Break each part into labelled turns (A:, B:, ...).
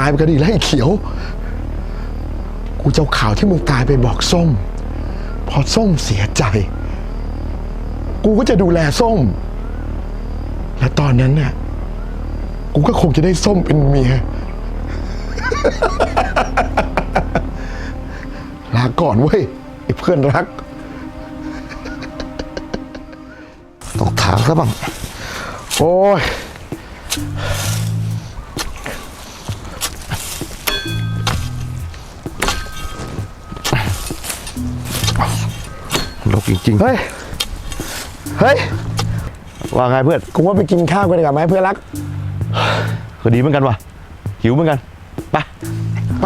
A: ายไปก็ดีแล้วไอ้เขียวกูจะเอาข่าวที่มึงตายไปบอกส้มพอส้มเสียใจกูก็จะดูแลส้มและตอนนั้นน่ะกูก็คงจะได้ส้มเป็นเมีย ลาก่อนเว้ยไอ้เพื่อนรักตกถามซะบ้างโอ้ยลกจริงๆเฮ้ยว่าไงเพื่อนกูว่าไปกินข้าวกันดีกว่าไหมเพื่อนรักก็ดีเหมือนกันว่ะหิวเหมือนกันไป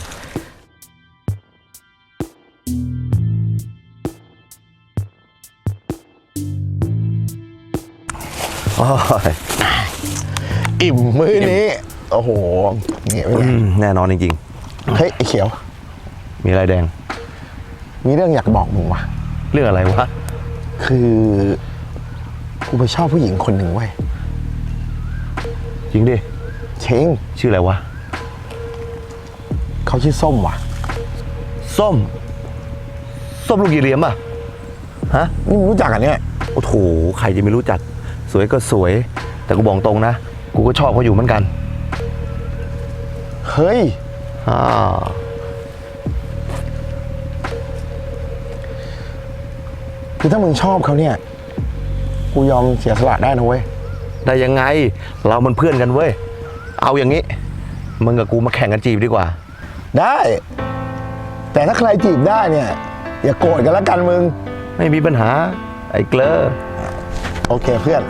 A: อิ่มมื้อนี้โอ้โหเนี่ย
B: แน่นอนจริง
A: ๆเฮ้ยไอ้เขียว
B: มีอะไรแดง
A: มีเรื่องอยากบอกมึงว่ะ
B: เรื่องอะไรวะ
A: คือกูไปชอบผู้หญิงคนหนึ่งเว้ย
B: จริงดิ
A: เช้ง
B: ชื่ออะไรวะ
A: เขาชื่อส้มว่ะ
B: ส้มลูกยีเรียมอ่ะฮะ
A: นี่มึงรู้จักกันเนี่ย
B: โอ้โหใครจะไม่รู้จักสวยก็สวยแต่กูบอกตรงนะกูก็ชอบเขาอยู่เหมือนกัน
A: เฮ้ยคือถ้ามึงชอบเขาเนี่ยกูยอมเสียสละได้นะเว้ย
B: ได้ยังไงเรามันเพื่อนกันเว้ยเอาอย่างนี้มึงกับกูมาแข่งกันจีบดีกว่า
A: ได้แต่ถ้าใครจีบได้เนี่ยอย่าโกรธกันแล้วกันมึง
B: ไม่มีปัญหาไอ้เกลอ
A: โอเคเพื่อน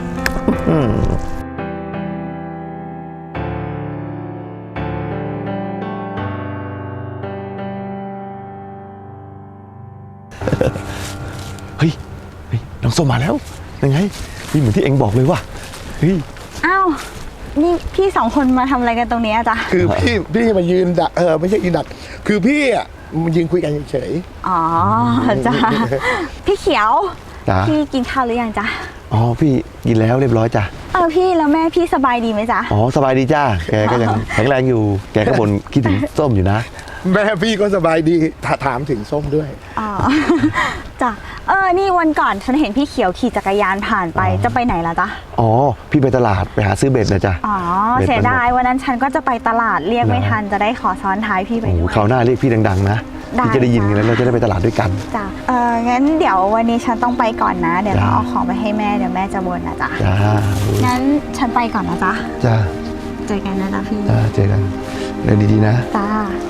B: เฮ้ยน้องส้มมาแล้วยังไงนี่เหมือนที่เอ็งบอกเลยว่ะเฮ้ย
C: อ้าวนี่พี่สองคนมาทำอะไรกันตรงนี้จ๊ะ
A: คือพี่มายืนดักไม่ใช่ยืนดักคือพี่อ่ะมันยืนคุยกันเฉย
C: อ๋อจ้ะพี่เขียวพี่กินข้าวหรือยังจ๊ะ
B: อ๋อพี่กินแล้วเรียบร้อยจ้ะ
C: พี่แล้วแม่พี่สบายดีไหมจ๊ะ
B: อ๋อสบายดีจ้าแกก็ยังแข็งแรงอยู่แกก็บ่นคิดถึงส้มอยู่นะ
A: แม่พี่ก็สบายดีถามถึงส้มด้วย
C: อ๋อจ้ะนี่วันก่อนฉันเห็นพี่เขียวขี่จักรยานผ่านไปจะไปไหนล่ะจ๊ะ
B: อ๋อพี่ไปตลาดไปหาซื้อเบ็ดนะจ๊ะ
C: อ๋อเสียดายวันนั้นฉันก็จะไปตลาดเรียกไม่ทันจะได้ขอซ้อนท้ายพี่ไปด้วย
B: คราวหน้าเรียกพี่ดังๆนะพี่จะได้ยินกันแล้วเราจะได้ไปตลาดด้วยกัน
C: จ้ะงั้นเดี๋ยววันนี้ฉันต้องไปก่อนนะเดี๋ยวเราเอาของไปให้แม่เดี๋ยวแม่จะบ่นนะจ๊ะ
B: จ้า
C: งั้นฉันไปก่อนนะจ๊ะ
B: จ้า
C: เจอกันนะจ๊ะพี่
B: จ้าเจอกันเดินดีๆนะ
C: จ้า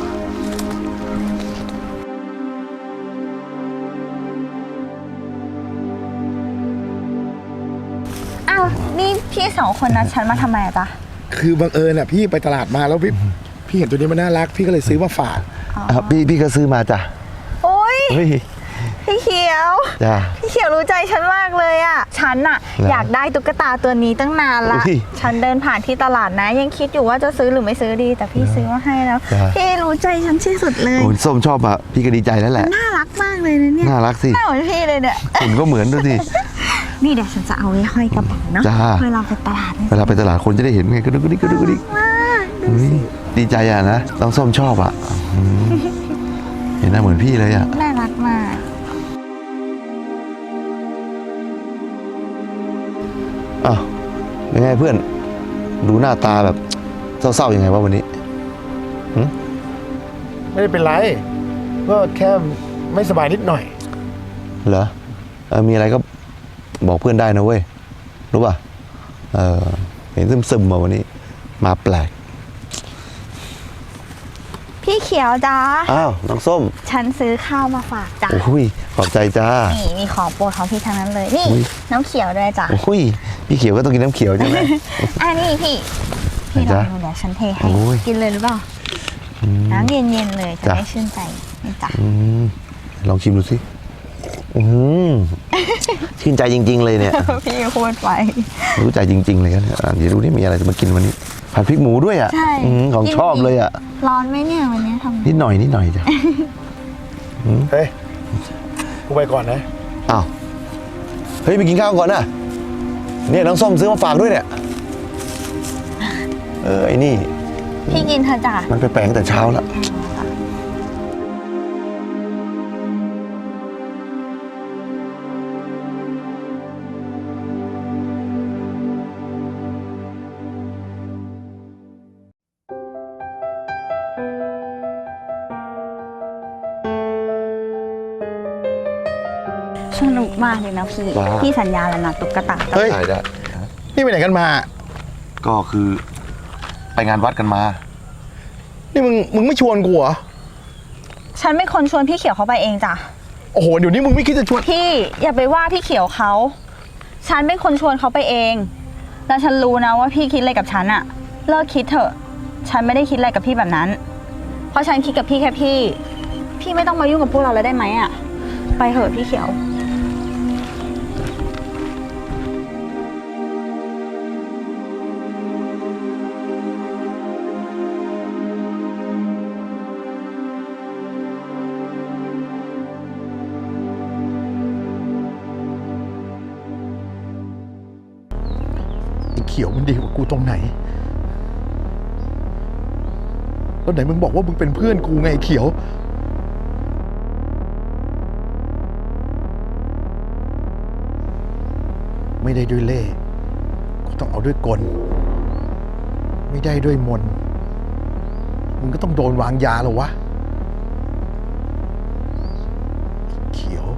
C: นี่พี่สองคนนัดฉันมาทำไมอะจ๊ะ
A: คือบังเอิญอ่ะพี่ไปตลาดมาแล้วพี่เห็นตัวนี้มันน่ารักพี่ก็เลยซื้อมาฝาก
B: พี่ก็ซื้อมาจ้ะ
C: โอ้ยพี่เขียว
B: จ้ะ
C: พี่เขียวรู้ใจฉันมากเลยอะฉันอะอยากได้ตุ๊กตาตัวนี้ตั้งนานละฉันเดินผ่านที่ตลาดนะยังคิดอยู่ว่าจะซื้อหรือไม่ซื้อดีแต่พี่ซื้อมาให้แล้วพี่รู้ใจฉันที่สุดเลย
B: โอ้ส้มชอบอะพี่ก็ดีใจแล้วแหละ
C: น่ารักมากเลยนะเนี่ย
B: น่ารักสิ
C: น่าเหมือนพี่เลยเนี่ย
B: คุณก็เหมือนด้วยสิ
C: นี่เดี๋ยวฉันจะเอาไว้ห้อยกระเป๋าเนาะเวลาไปตลาด
B: คนจะได้เห็นไงก็ดูดิดีใจอะนะน้องส้มชอบอะเห็นหน้าเหมือนพี่เลยอะ
C: น่ารักมาก
B: อ้าวยังไงเพื่อนดูหน้าตาแบบเศร้าๆยังไงวะวันนี้
A: ไม่ได้เป็นไรก็แค่ไม่สบายนิดหน่อย
B: เหรอมีอะไรก็บอกเพื่อนได้นะเว้ยรู้ป่ะเห็นซึมๆมาวันนี้มาแปลก
C: พี่เขียวจ้า
B: อ้าวน้องส้ม
C: ฉันซื้อข้าวมาฝากจ้า
B: โอ้ยขอบใจจ้า
C: นี่มีของโปรดของพี่ทั้งนั้นเลยนี่น้ำเขียวด้วยจ้า
B: โอ้ยพี่เขียวก็ต้องกินน้ำเขียวใช่ไหม
C: นี่พี่ลองดูเดี๋ยวฉันเทให้กินเลยหรือเปล่าน้ำเย็นๆเลยจะได้ชื่นใจนี่จ้า
B: ลองชิมดูสิชื่นใจจริงๆเลยเนี่ย
C: พี่พูดไป
B: รู้ใจจริงๆเลยกันเดี๋ยวดูนี่มีอะไรจะมากินวันนี้ผัดพริกหมูด้วยอ่ะของชอบเลยอ่ะ
C: ร้อนไหมเนี่ยวันนี้ทำ
B: นิดหน่อยจ้ะ
A: เฮ้ยกูไปก่อนนะ
B: อ้าวเฮ้ยไปกินข้าวก่อนนะเนี่ยน้องส้มซื้อมาฝากด้วยเนี่ยไอ้นี่
C: พี่กินเถอะจ้ะ
B: มันไปแปลงแต่เช้าแล้ว
C: สนุกมากเลยนะพี่
B: ว้าว
C: พี่สัญญาแล้วนะตุ๊กตา
A: เฮ้ย
B: ได้
A: นี่ไปไหนกันมา
B: ก็คือไปงานวัดกันมา
A: นี่มึงไม่ชวนกูเหรอ
C: ฉันเป็นคนชวนพี่เขียวเขาไปเองจ้ะ
A: โอ้โห เดี๋ยวนี้มึงไม่คิดจะชวน
C: พี่อย่าไปว่าพี่เขียวเขา ฉันเป็นคนชวนเขาไปเอง แล้วฉันรู้นะว่าพี่คิดอะไรกับฉันอะเลิกคิดเถอะ ฉันไม่ได้คิดอะไรกับพี่แบบนั้น เพราะฉันคิดกับพี่แค่พี่ พี่ไม่ต้องมายุ่งกับพวกเราแล้วได้ไหมอะไปเถอะพี่เขียว
A: ไอ้เขียวมันดีกว่ากูตรงไหน แล้วไหนมึงบอกว่ามึงเป็นเพื่อนกูไงไอ้เขียว ไม่ได้ด้วยเล่ห์กูต้องเอาด้วยกล ไม่ได้ด้วยมนต์มึงก็ต้องโดนวางยาแล้ววะ เขียว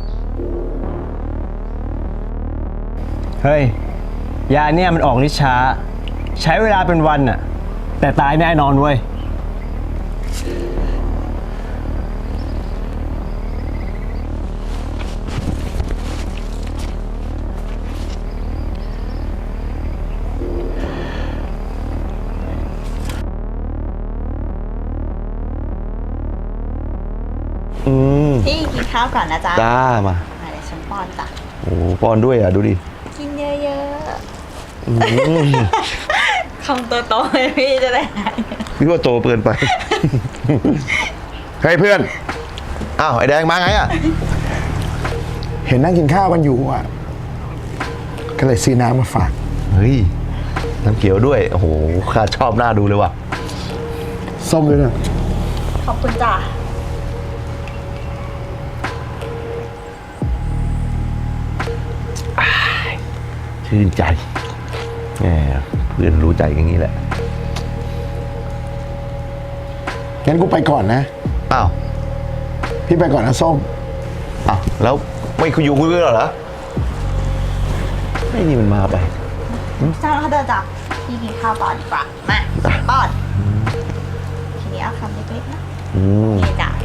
D: เฮ้ย ยาเนี่ยมันออกฤทธิ์ช้า ใช้เวลาเป็นวันน่ะ แต่ตายแน่นอนเว้ย
C: พี่กินข้าวก่อนนะจ๊ะ
B: จ้ามา
C: เดี๋ยวฉันป้อนจ้ะ
B: โอ้ป้อนด้วยอ่ะ ดูดิ
C: กินเยอะๆคำโตๆเลยพี่จะได้หาย
B: พี่ว่าโตเกินไป
A: เฮ้ยเพื่อน
B: อ้าว ไอ้แดงมาไงอ่ะ
A: เห็นนั่งกินข้าวกันอยู่อ่ะ ก็เลยซื้อน้ำมาฝาก
B: เฮ้ย น้ำเขียวด้วย โอ้โหข้าชอบหน้าดูเลยว่ะ
A: ส้มด้วยนะ
C: ขอบคุณจ้ะ
B: ชื่นใจแหมเพื่อนรู้ใจอย่างนี้แหละ
A: งั้นกูไปก่อนนะ
B: อ้าว
A: พี่ไปก่อนนะส้ม
B: อ้าว แล้วไม่คุยอยู่คุยกันเหรอไม่นี่มันมาไป
C: จ้าเขาเดินจ้ะพี่กินข้าวต่อดีกว่า มาป้อน ทีนี้เอาคำเล็กๆนะ
B: อืม
C: นี่จ้ะ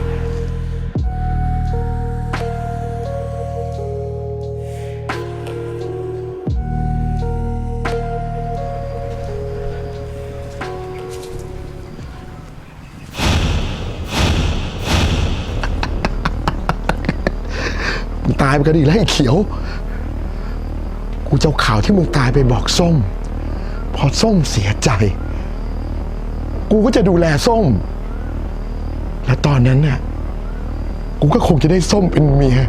A: มึงตายไปก็ดีแล้วไอ้เขียว กูจะเอาข่าวที่มึงตายไปบอกส้ม พอส้มเสียใจ กูก็จะดูแลส้ม และตอนนั้นน่ะ กูก็คงจะได้ส้มเป็นเมีย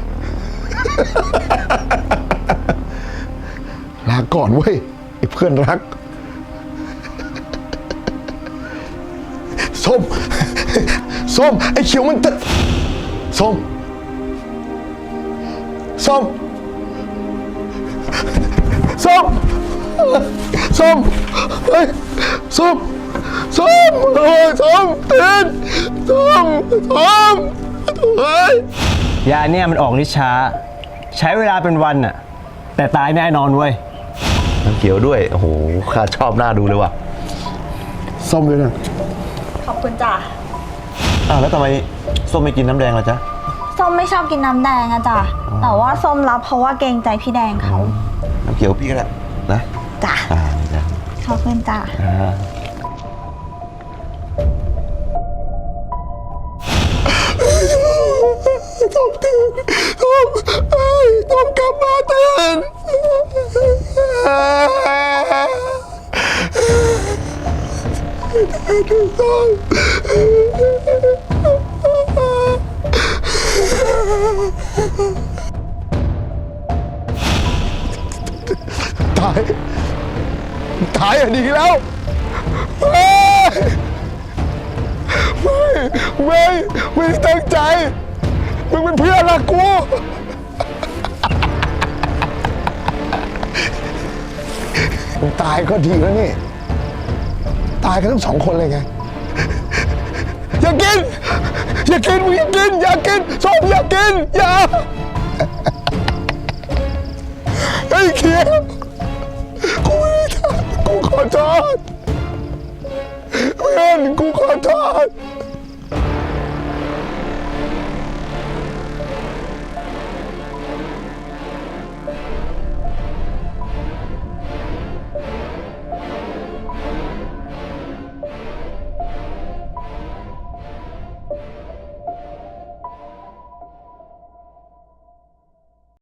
A: ลาก่อนเว้ยไอ้เพื่อนรัก ส้ม ส้ม ไอ้เขียวมันจะส้ม ส้ม ส้ม ส้ม เฮ้ย ส้ม ส้มโอ้ยส้มตื่นส้ม ส้มเฮ้ย
D: ยาเนี่ยมันออกฤทธิ์ช้า ใช้เวลาเป็นวันน่ะ แต่ตายแน่นอนเว้ย
B: น้ำเขียวด้วย โอ้โหข้าชอบหน้าดูเลยว่ะ
A: ส้มด้วยนะ
C: ขอบคุณจ้ะ
B: อ้าวแล้วทำไมส้มไม่กินน้ำแดงล่ะจ๊ะ
C: ส้มไม่ชอบกินน้ำแดงอะจ้ะ แต่ว่าส้มรับเพราะว่าเกรงใจพี่แดงเขา
B: น้ำเขียวพี่ก็ได้นะ
C: จ้ะ
B: นี่จ้ะ
C: ขอบคุณจ้ะ
A: ส้มตื่นส้มเอ้ยส้มกลับมาตื่นส้มตาย ตายอ่ะดีแล้วเอ้ยไม่ได้ตั้งใจ มึงเป็นเพื่อนรักกู มึงตายก็ดีแล้วนี่ ตายกันทั้งสองคนเลยไง อย่ากิน อย่ากิน มึงอย่ากิน อย่ากินส้มอย่ากิน อย่า